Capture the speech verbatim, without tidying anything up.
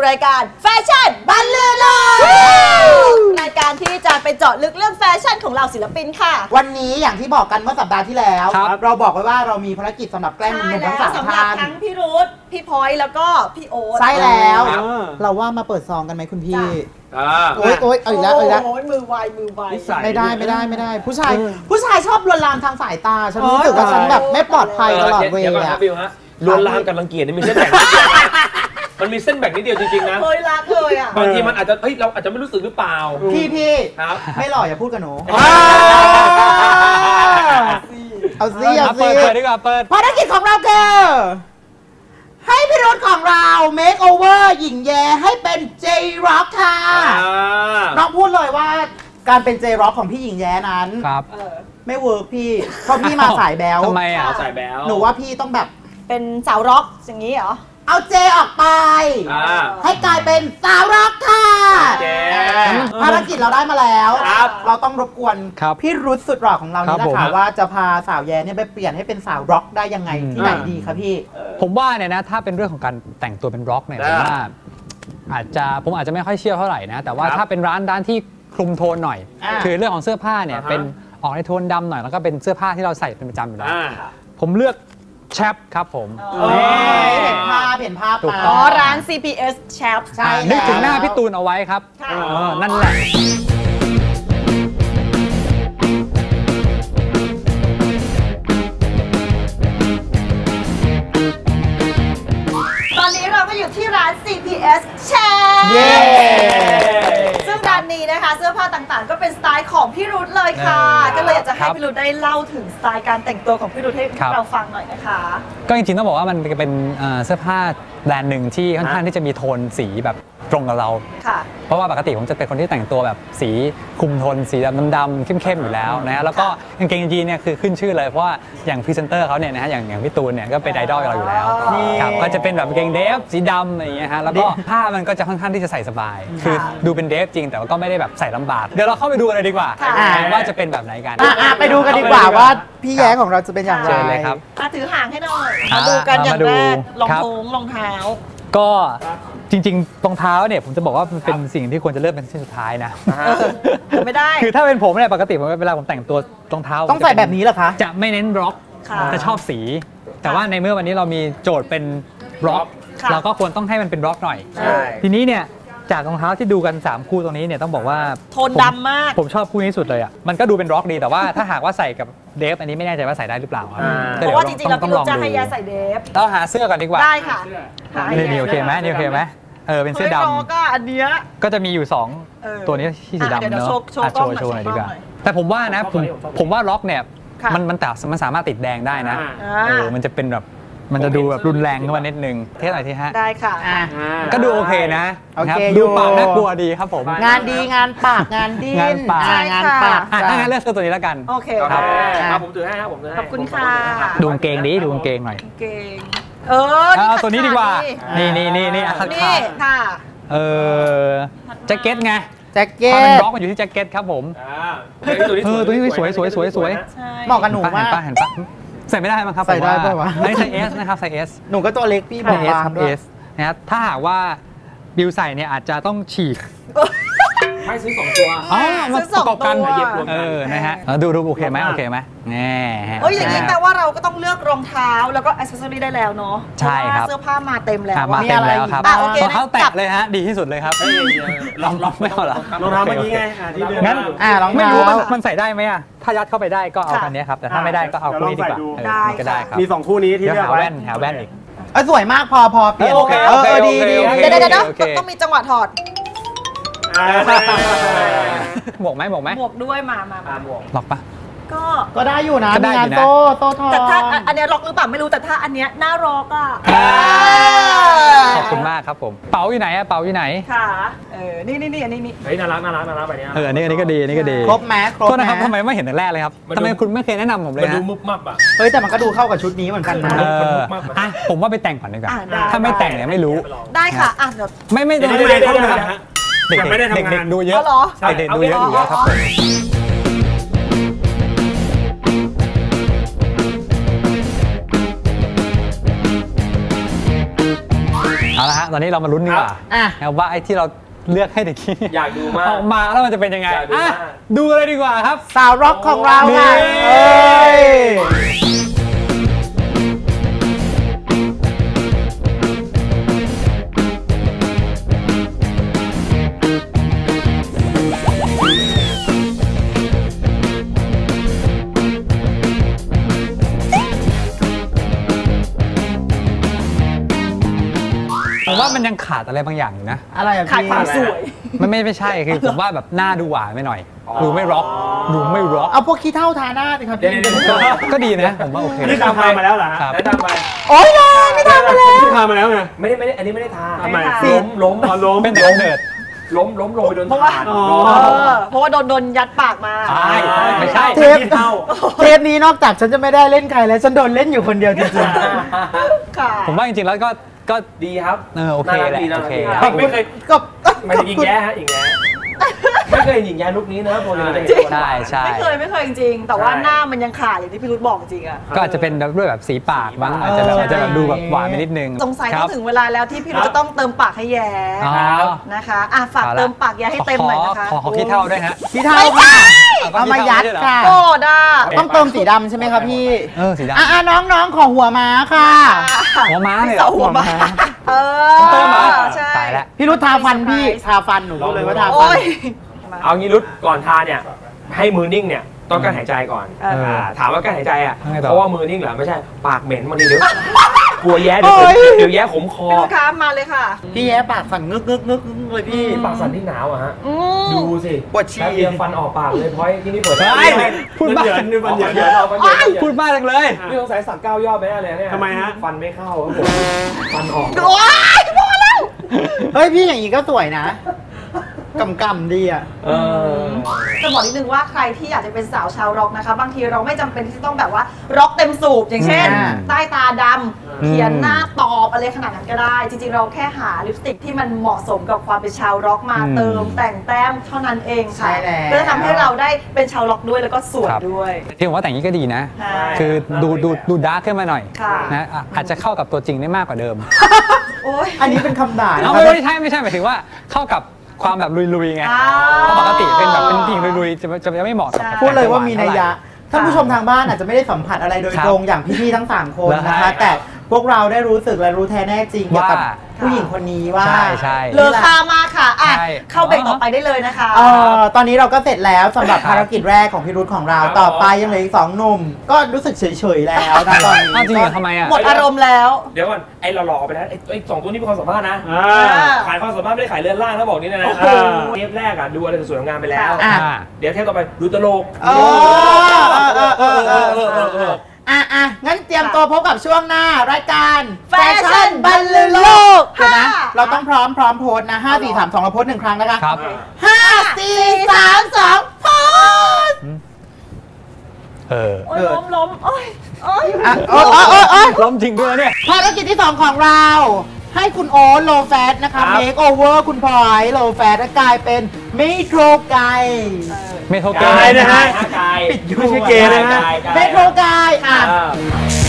รายการแฟชั่นบันลือโลกรายการที่จะไปเจาะลึกเรื่องแฟชั่นของเราศิลปินค่ะวันนี้อย่างที่บอกกันเมื่อสัปดาห์ที่แล้วเราบอกไว้ว่าเรามีภารกิจสำหรับแกล้งหนุ่มทั้งสามท่านทั้งพี่รุธพี่พลอยแล้วก็พี่โอ๊ตใช่แล้วเราว่ามาเปิดซองกันไหมคุณพี่โอ๊ยโอ๊ยเอาอีกแล้วเอาอีกแล้วมือไวมือไวไม่ได้ไม่ได้ไม่ได้ผู้ชายผู้ชายชอบลวนลามทางสายตาฉันรู้สึกว่าฉันแบบไม่ปลอดภัยตลอดเวลาลวนลามกับรังเกียจนี่มีเส้นแบ่งมันมีเส้นแบ่งนิดเดียวจริงๆนะเคยรักเลยอ่ะบางทีมันอาจจะเฮ้ยเราอาจจะไม่รู้สึกหรือเปล่าพี่พี่ไม่หล่ออย่าพูดกับหนูเอาซิเอาซิเปิดดีกว่าเปิดภารกิจของเราคือให้พี่รุธของเรา make over หญิงแย้ให้เป็น J-Rock ค่ะน้องพูดเลยว่าการเป็น J-Rock ของพี่หญิงแย้นั้นไม่เวิร์กพี่เพราะพี่มาสายแบลทำไมอ่ะสายแบลหนูว่าพี่ต้องแบบเป็นสาวร็อกอย่างนี้เหรอเอาเจออกไปให้กลายเป็นสาวร็อกค่ะภารกิจเราได้มาแล้วเราต้องรบกวนพี่รุธสุดหล่อของเรานี่แหละค่ะว่าจะพาสาวแย้เนี่ยไปเปลี่ยนให้เป็นสาวร็อกได้ยังไงที่ไหนดีคะพี่ผมว่าเนี่ยนะถ้าเป็นเรื่องของการแต่งตัวเป็นร็อกเนี่ยผมว่าอาจจะผมอาจจะไม่ค่อยเชื่อเท่าไหร่นะแต่ว่าถ้าเป็นร้านร้านที่คลุมโทนหน่อยคือเรื่องของเสื้อผ้าเนี่ยเป็นออกในโทนดำหน่อยแล้วก็เป็นเสื้อผ้าที่เราใส่เป็นประจำอยู่แล้วผมเลือกแชปครับผมเห็นภาพเห็นภาพอ๋อร้าน ซี พี เอส แชปใช่นึกถึงหน้าพี่ตูนเอาไว้ครับนั่นแหละตอนนี้เราก็อยู่ที่ร้าน ซี พี เอส แชปซึ่งร้านนี้นะคะเสื้อผ้าต่างๆก็เป็นสไตล์ของพี่รุธเลยค่ะก็เลยอยากจะให้พี่รุธได้เล่าถึงสไตล์การแต่งตัวของพี่รุธให้เราฟังหน่อยนะคะก็จริงๆต้องบอกว่ามันเป็นเสื้อผ้าแบรนด์หนึ่งที่ค่อนข้างที่จะมีโทนสีแบบตรงกับเราเพราะว่าปกติผมจะเป็นคนที่แต่งตัวแบบสีคุมโทนสีดำๆเข้มๆอยู่แล้วนะแล้วก็กางเกงยีนเนี่ยคือขึ้นชื่อเลยเพราะว่าอย่างพรีเซนเตอร์เขาเนี่ยนะฮะอย่างอย่างพี่ตูนเนี่ยก็เป็นไอดอลเราอยู่แล้วครับก็จะเป็นแบบกางเกงเดฟสีดำอะไรอย่างเงี้ยฮะแล้วก็ผ้ามันก็จะค่อนข้างที่จะใส่สบายคือดูเป็นเดฟจริงแต่ว่าก็ไม่ได้แบบใส่ลำบากเดี๋ยวเราเข้าไปดูกันเลยดีกว่าว่าจะเป็นแบบไหนกันไปดูกันดีกว่าว่าพี่แย้ของเราจะเป็นอย่างไรเลยครับถือห่างให้หน่อยมาดูกันอย่างแรกรองท้องรองเท้าก็จริงๆรองเท้าเนี่ยผมจะบอกว่ามันเป็นสิ่งที่ควรจะเลือกเป็นสิ่งสุดท้ายนะไม่ได้คือถ้าเป็นผมเนี่ยปกติผมเวลาผมแต่งตัวรองเท้าต้องใส่แบบนี้เหรอคะจะไม่เน้นร็อกจะชอบสีแต่ว่าในเมื่อวันนี้เรามีโจทย์เป็นร็อกเราก็ควรต้องให้มันเป็นร็อกหน่อยทีนี้เนี่ยจากรองเท้าที่ดูกันสามคู่ตรงนี้เนี่ยต้องบอกว่าโทนดำมากผมชอบคู่นี้สุดเลยอ่ะมันก็ดูเป็นร็อกดีแต่ว่าถ้าหากว่าใส่กับเดฟอันนี้ไม่แน่ใจว่าใส่ได้หรือเปล่าเพราะว่าจริงๆเราต้องจะให้ยาใส่เดฟเราหาเสื้อก่อนดีกว่าได้ค่ะนี่โอเคไหมนี่โอเคไหมเออเป็นเสื้อดำก็อันเนี้ยก็จะมีอยู่สองตัวนี้ที่สีดำเนาะโชว์โชว์หน่อยดีกว่าแต่ผมว่านะผมผมว่าร็อกเนี่ยมันมันแต่มันสามารถติดแดงได้นะเออมันจะเป็นแบบมันจะดูแบบรุนแรงขึ้นมานิดนึงเท่าไหร่ที่ฮะได้ค่ะก็ดูโอเคนะดูปากน่ากลัวดีครับผมงานดีงานปากงานดีงานปากงานปากถ้างั้นเลือกเสื้อตัวนี้แล้วกันโอเคครับมาผมถือให้ครับผมถือให้ขอบคุณค่ะดูกางเกงดิดูกางเกงหน่อยเกงเออเอาตัวนี้ดีกว่านี่นี่นี่นี่นี่ค่ะเออแจ็คเก็ตไงแจ็คเก็ตมันบล็อกมันอยู่ที่แจ็คเก็ตครับผมเออตัวนี้สวยสวยสวยสวยเหมาะกับหนูมากเห็นปะใส่ไม่ได้มั้งครับใส่ได้ป่าววะไม่ใส่เอสนะครับใส่เอสหนูก็ตัวเล็กพี่บอกเอสครับเอสนะครับถ้าหากว่าบิวใส่เนี่ยอาจจะต้องฉีกไม่ซื้อสองตัวอ๋อมาประกอบกันเออนะฮะดูดูโอเคไหมโอเคไหมแน่เฮ้ยอย่างนี้แปลว่าเราก็ต้องเลือกรองเท้าแล้วก็อิสเซอรี่ได้แล้วเนาะใช่ครับเสื้อผ้ามาเต็มแล้วมาเต็มแล้วครับรองเท้าแตะเลยฮะดีที่สุดเลยครับลองลองไม่เอาหรอรองเท้าเมื่อกี้ไงงั้นไม่รู้มันใส่ได้ไหมอ่ะถ้ายัดเข้าไปได้ก็เอาคันนี้ครับแต่ถ้าไม่ได้ก็เอาคู่นี้ดีกว่าก็ได้ครับมีสองคู่นี้ที่เลือกไว้หาแว่นหาแว่นอีกสวยมากพอพอเปลี่ยนโอเคโอเคดีดีเดี๋ยวเดี๋ยวต้องมีจังหวะถอดหมวกไหมหมวกไหมหมวกด้วยมามามาหมวกล็อกปะก็ก็ได้อยู่นะงานโซ่โซ่ทองแต่ถ้าอันนี้ล็อกหรือเปล่าไม่รู้แต่ถ้าอันเนี้ยหน้าล็อกอ่ะขอบคุณมากครับผมเป๋าอยู่ไหนอะเป๋าอยู่ไหนค่ะเออนี่นี่นี่อันนี้นี่เฮ้ยน่ารักน่ารักน่ารักแบบนี้เอออันนี้อันนี้ก็ดีอันนี้ก็ดีครบไหมครบนะครับทำไมไม่เห็นแต่แรกเลยครับทำไมคุณไม่เคยแนะนำผมเลยมันดูมุบมับอ่ะเฮ้ยแต่มันก็ดูเข้ากับชุดนี้เหมือนกันนะอ่ะผมว่าไปแต่งก่อนดีกว่าถ้าไม่แต่งเนี่ยไม่รู้ได้ค่ะอ่ะเดี๋ยวไม่ไม่ไม่ได้ทำงานเด็กไม่ได้ทำงานดูเยอะเด็กดูเยอะอยู่แล้วครับเอาละฮะะตอนนี้เรามาลุ้นดีกว่าอ่ะนะว่าไอ้ที่เราเลือกให้เด็กกี้อยากดูมากออกมาแล้วมันจะเป็นยังไงอยากดูอ่ะมากดูเลยดีกว่าครับสาวร็อกของเราค่ะนี่เอ้ยผมว่ามันยังขาดอะไรบางอย่างอยู่นะอะไรอะขายพี่ความสวยไม่ไม่ไม่ใช่คือผมว่าแบบหน้าดูหวานไปหน่อย ดูไม่ร็อกดูไม่ร็อกเอาพวกขี้เท่าทาหน้าสิครับเดี๋ยวพี่เดี๋ยวเดี๋ยวก็ดีนะผมว่าโอเคนี่ทำมาแล้วเหรอฮะครับแนะนำไปโอ๊ยเลยไม่ทำมาแล้วนี่ทำมาแล้วไงไม่ได้ไม่ได้อันนี้ไม่ได้ทาทำไมไม่ได้ล้มล้มอ๋อล้มเป็นแต่กำเนิดล้มล้มลงไปโดนเพราะว่าถ่านอ๋อเออเพราะว่าโดนโดนยัดปากมาใช่ไม่ใช่เทปขี้เท่าเทปนี้นอกจากฉันจะไม่ได้เล่นใครแล้วฉันโดนเล่นอยู่คนเดียวจริงค่ะผมว่าจริงๆแล้วก็ก็ดีครับเออโอเคน่ารักแหละดีน่ารักโอเคดีๆขอบคุไม่ณเคยก็ไม่ได้หญิงแย้ฮะหญิงแย้ไม่เคยเห็นหญิงแย้ลุคนี้นะปกติเราจะเห็นใช่ใช่ไม่เคยไม่เคยจริงๆแต่ว่าหน้ามันยังขาดอย่างที่พี่รุธบอกจริงอะก็อาจจะเป็นด้วยแบบสีปากบ้างอาจจะแบบอาจจะแบบดูแบบหวานไปนิดนึงสงสัยคต้รัอบ งถึงเวลาแล้วที่พี่รุธจะต้องเติมปากให้แย้อ๋อนะคะอ่ะฝากเอาละเติมปากแย้ให้เต็มหน่อยนะคะขอขอขี้เท่าด้วยฮะขี้เท่าค่ะเอามายัดค่ะโอ้ด้าต้องเติมสีดำใช่ไหมครับพี่เออสีดำอ่ะๆน้องๆ ขอหัวม้าค่ะหัวม้าเลยเหรเสาอหัวมาเออเติมเหรอใช่ตายแล้วพี่รุธทาฟันพี่ทาฟันหนูรู้เลยว่าทาฟัโอ้นยเอางี้รุดก่อนทาเนี่ยให้มือนิ่งเนี่ยต้องการหายใจก่อนเอออ่าถามว่าการหายใจอ่ะทำไงต่อเพราะว่ามือนิ่งเหรอไม่ใช่ปากเหม็นบางทีเดี๋ยวกลัวแย้เดี๋ยวโอ้ยเดี๋ยวแย้ขมคอพี่ลูกค้ามาเลยค่ะพี่แย้ปากสั่นงึกงึกงึกงึกเลยพี่ปากสั่นที่หนาวอะฮะอืมดูสิปวดฉี่แป๊บเดียวฟันออกปากเลยพอยที่นี่เปิดเฮ้ยพูดมันบ้าเหยินนี่มันเหยินเยอะเอาฟันเยอะพูดบ้าจังเลยนี่สงสัยสักเก้ายอดไปแน่เลยเนี่ยทำไมฮะฟันไม่เข้าครับผมฟันออกโอ้ยพอแล้วเฮ้ย พี่อย่างนี้ก็สวยนะกำกำดีอ่ะเออจะบอกนิดนึงว่าใครที่อยากจะเป็นสาวชาวร็อกนะคะ บางทีเราไม่จำเป็นที่จะต้องแบบว่าร็อกเต็มสูบอย่างเช่นอ่าใต้ตาดำเขียนหน้าตอบอะไรขนาดนั้นก็ได้ จริงๆ เราแค่หาลิปสติกที่มันเหมาะสมกับความเป็นชาวร็อกมาอืมเติมแต่งแต้มเท่านั้นเองค่ะใช่แล้วก็จะทำให้เราได้เป็นชาวร็อกด้วยแล้วก็สวยครับด้วยที่ผมว่าแต่งนี้ก็ดีนะใช่คือดูดูดูดาร์กขึ้นมาหน่อยค่ะนะอ่ะอาจจะเข้ากับตัวจริงได้มากกว่าเดิมโอ้ยอันนี้เป็นคำด่านะเอาครับไม่ใช่ไม่ใช่หมายถึงว่าเข้ากับความแบบลุยๆไงอ่าเพราะปกติเป็นแบบเป็นผู้หญิงลุยๆจะจะจะไม่เหมาะกับใช่พูดเลยว่ามีนัยยะเท่าไหร่ท่านผู้ชมทางบ้านอาจจะไม่ได้สัมผัสอะไรโดยครับตรงอย่างพี่ๆทั้งสามคนแล้วนะคะใช่แต่พวกเราได้รู้สึกและรู้แท้แน่จริงเกี่ยวกับว่าผู้หญิงคนนี้ว่าใช่ใช่เลอค่ามากค่ะอ่ะใช่เข้าเบรกต่อไปได้เลยนะคะเอ่อตอนนี้เราก็เสร็จแล้วสำหรับครับภารกิจแรกของพี่รุธของเราครับต่อไปยังเหลืออีกสองหนุ่ม ก็รู้สึกเฉยๆแล้วนะตอนนี้อ้าวจริงเหรอทำไมอ่ะหมดอารมณ์แล้วเดี๋ยวก่อนไอ้หล่อๆออกไปนะไอ้ไอ้สองตัวนี้เป็นความสัมภาษณ์นะอ่าขายความสามารถไม่ได้ขายเรือนร่างนะบอกนี่นะนะโอ้โหเทปแรกอะดูอะไรสวยงามไปแล้วอ่ะอ่าเดี๋ยวเทปต่อไปดูตลกเออเออเออเออเออเออเอออ่ะอ่ะงั้นเตรียมตัวพบกับช่วงหน้ารายการแฟชั่นบรรลือโลกเดี๋ยวนะค่ะเราต้องพร้อมพร้อมโพสต์นะห้าสี่สามสองเราโพสต์หนึ่งครั้งนะคะครับห้าสี่สามสองโพสต์เออโอ้ยล้มล้มโอ้ยโอ้ยอ่ะโอ้ยโอ้ยโอ้ยโอ้ยล้มจริงด้วยเนี่ยภารกิจที่สองของเรา ให้คุณโอ๊ตโลแฟตนะคะครับเมคโอเวอร์คุณพลอยโลแฟตกลายเป็นเมโทรไกเมโทรเกกายนะฮะกายปิดอยู่ไม่ใช่เกย์นะฮะกายกายเมโทรไกอ่ะอ่า